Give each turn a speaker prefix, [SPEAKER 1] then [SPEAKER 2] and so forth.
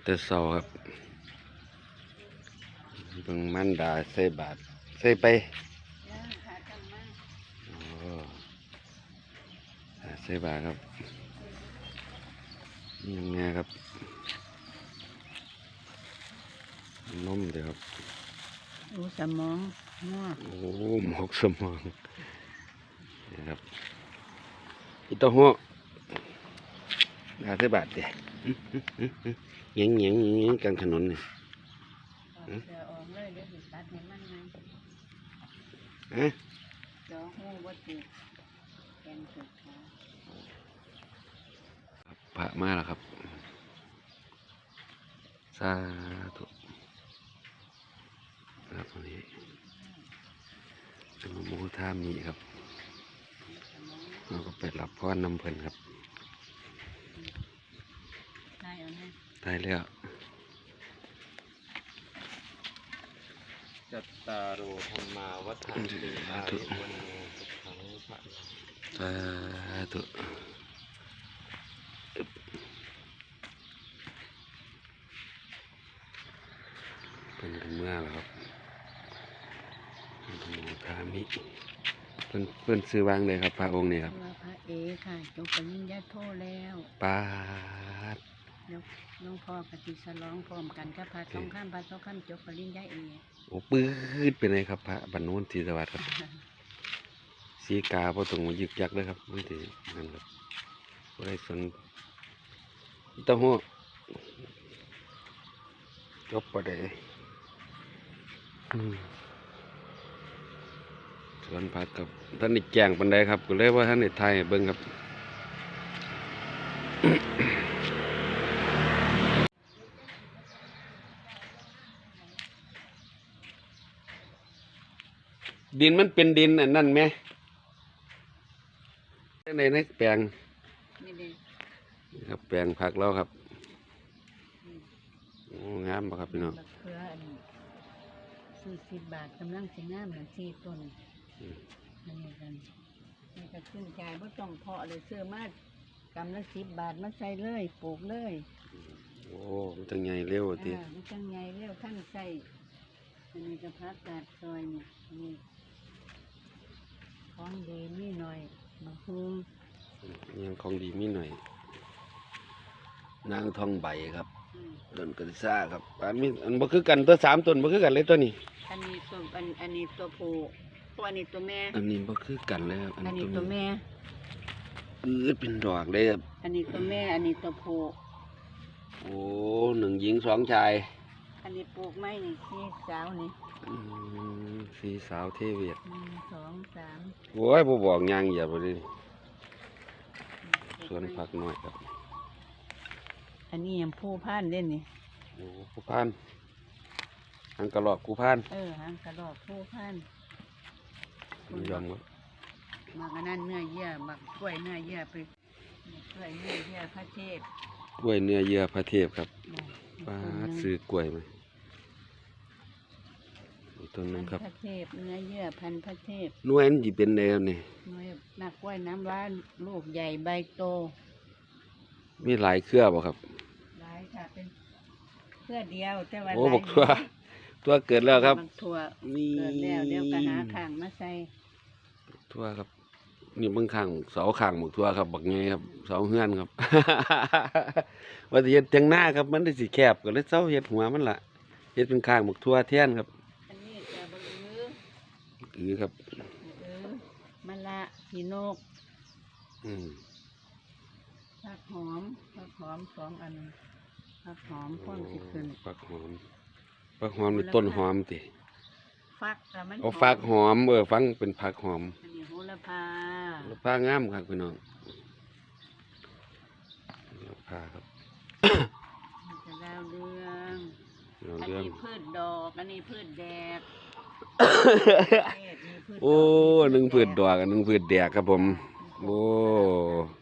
[SPEAKER 1] แต่เช้าครับเบิ่งมันดาใส่บาตรใส่ไปโอ้ใส่บาตรครับยังไงครับนมเดี๋ยวครับ
[SPEAKER 2] โอ้สมองงอก
[SPEAKER 1] โอ้หมกสมองนี่ครับอีเต้าหู้ดาใส่บาตรเดี๋ยวเงี้ยกลางถนนนี่
[SPEAKER 2] เสือออกเลยเดี๋ยวสิตัดให้มันไง
[SPEAKER 1] ฮะ
[SPEAKER 2] เดี๋ยวหูบ่ติดแกนสุดขา
[SPEAKER 1] พระมาแล้วครับสาธุครับวันนี้จะมาโมท่ามีครับเราก็ไปรับพรนำเพลินครับ
[SPEAKER 2] ได้เอาแน่
[SPEAKER 1] ได้แล้ว
[SPEAKER 3] จัตตารโอธรรมาวัฏันติอายุวันโนสุขังพระ
[SPEAKER 1] สาธุเป็นกันเมื่อแล้วครับโมท่ามีเพิ่นซื้อวางเลยครับพระองค์นี่ครับ
[SPEAKER 2] ว่าพระเอค่ะจบปริญญาโทแล้ว
[SPEAKER 1] ปาด
[SPEAKER 2] แล้วหลวงพ่อปฏิสลองพร้อมกันกับพระสองข้ามพระสองข้ามจบปริญญาเอก
[SPEAKER 1] โอ้ปื้ดเป็นไงครับพระบรรนุนทีสวัสดิ์ครับสีกาพอตรงมายึกยักเลยครับไม่ถือนั่นครับบ่ได้สนเต้าหู้จบประเดี๋ยวสวนผักกับท่านนี่แจงปันไดครับก็เลยว่าท่านนี่ไทยเบิ้งครับ ดินมันเป็นดินอันนั่นไหมในแปลง
[SPEAKER 2] นี่เด้
[SPEAKER 1] นี่ครับแปลงผักแล้วครับโอ้งามปะครับพี่น้อง
[SPEAKER 2] บักเขืออัน40 บาทกำลังสิงามนั่น4 ต้นอันนี้กันนี่ก็ขึ้นใจบ่ต้องเพาะเลยซื้อมากำละ10 บาทมาใส่เลยปลูกเลย
[SPEAKER 1] โอ้มันจังใหญ่เร็วที
[SPEAKER 2] มันจังไงเร็วท่านใส่อันนี้ก็พักกาดซอยเนี่ยนี่ของดีมีหน่อยมะฮุง
[SPEAKER 1] ยังของดีมีหน่อยนางทองใบครับ ต้นกระซ่าครับอันบ่คือกันตัว3ต้นบ่คือกันเลยตัวนี้
[SPEAKER 2] อันนี้ตัวอันนี้ตัวผู้ตัวอันนี้ตัวแม่
[SPEAKER 1] อันนี้บ่คือกันเลยครับ
[SPEAKER 2] อันนี้ตัวแม่
[SPEAKER 1] เป็นดอกเลยครับ
[SPEAKER 2] อันนี้ตัวแม่อันนี้ตัวผู้
[SPEAKER 1] โอ้1 หญิง 2 ชาย
[SPEAKER 2] อันนี้ปลูกไม้นี่ที่สาวนี่
[SPEAKER 1] สีสาวเทเวียด
[SPEAKER 2] 1 2 3
[SPEAKER 1] โอ้ยบ่บอกยางเหยียบเลยสวนผักน้อยครับ
[SPEAKER 2] อันนี้ยังผู้พานเล่นนี่
[SPEAKER 1] โอ้ผู้พานทางกระรอกผู้พาน
[SPEAKER 2] หางกระดอกผู้พาน
[SPEAKER 1] มันยอมครับ
[SPEAKER 2] มักอันนั้นเนื้อเยื่อมักกล้วยเนื้อเยื่อไปกล้วยเนื้อเยื่อพระเทพ
[SPEAKER 1] กล้วยเนื้อเยื่อพระเทพครับป้าดซื้อกล้วยมาอีกต้นหนึงครับ
[SPEAKER 2] พระเทพเนื้อเยื่อพันธุ์พระเทพ
[SPEAKER 1] หน่วยมันสิเป็นแนวนี่
[SPEAKER 2] หน่วยนักกล้วยน้ำว้าลูกใหญ่ใบโต
[SPEAKER 1] มีหลายเครือบ่ครับ
[SPEAKER 2] หลายค่ะเป็นเพื่อเดียวแต่ว่า
[SPEAKER 1] โอ้
[SPEAKER 2] หลาย
[SPEAKER 1] บอกตัวเกิดแล้วครับ
[SPEAKER 2] บักถั่ว
[SPEAKER 1] นี่
[SPEAKER 2] เกิดแล้วเดี๋ยวก็หาข้างมาใส่
[SPEAKER 1] ทั่วครับนี่เบิ่งข้างเสาข้างบักทั่วครับบักไงครับเสาเฮือนครับ ว่าสิเฮ็ดจังหน้าครับมันได้สิแคบก็เลยเซาเฮ็ดหัวมันล่ะเฮ็ดเป็นข้างบักทั่วแทนครับ
[SPEAKER 2] อันนี้จะบัก
[SPEAKER 1] ครับ
[SPEAKER 2] มะละพีนก
[SPEAKER 1] อืม
[SPEAKER 2] ผักหอม2 อันผักหอมพ่นสิขึ้น
[SPEAKER 1] ฟักหอมนี่ต้นหอมติ
[SPEAKER 2] ฟักแต่มัน
[SPEAKER 1] เอาฟักหอมฟังเป็นผักหอม
[SPEAKER 2] อันนี้โหระพา
[SPEAKER 1] แล้วผ้างามครับพี่น้องแล้วผ้าครับ
[SPEAKER 2] มันจะดาวเรือง
[SPEAKER 1] เรา
[SPEAKER 2] อัน
[SPEAKER 1] เรื่อง
[SPEAKER 2] นี้พืชดอกอันนี้พืชแดก
[SPEAKER 1] โอ้1 พืชดอกกับ1 พืชแดกครับผมโอ้